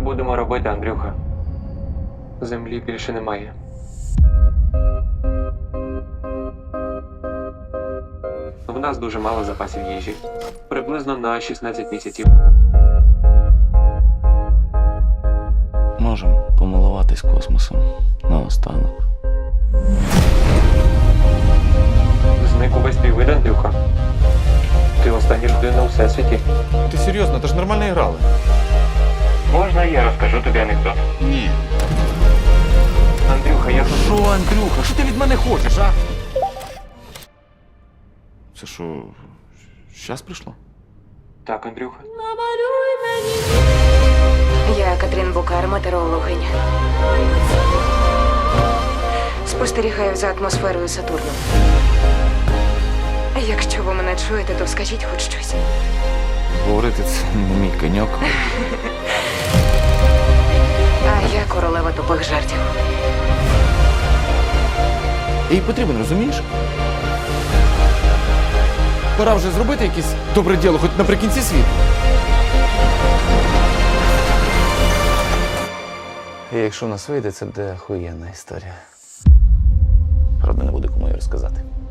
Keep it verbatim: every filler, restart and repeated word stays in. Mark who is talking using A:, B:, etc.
A: будемо робити, Андрюха? Землі більше немає. В нас дуже мало запасів їжі. Приблизно на шістнадцять місяців.
B: Можемо помилуватись космосом наостанок.
A: Зник увесь твій вид, Андрюха. Ти остання людина у всесвіті.
C: Ти серйозно, то ж нормально грали.
A: Можна я розкажу тобі анекдот?
B: Ні.
A: Андрюха, я...
C: Що, Андрюха, що ти від мене хочеш, а? Це що, щас прийшло?
A: Так, Андрюха.
D: Я Катрін Букар, метеорологиня. Спостерігаю за атмосферою Сатурну. Якщо ви мене чуєте, то скажіть хоч щось.
C: Говорити це не мій коньок.
D: А я королева тупих жартів.
C: Їй потрібен, розумієш? Пора вже зробити якесь добре діло, хоч наприкінці світу.
B: І якщо в нас вийде, це буде охуєнна історія. Правда, не буде кому її розказати.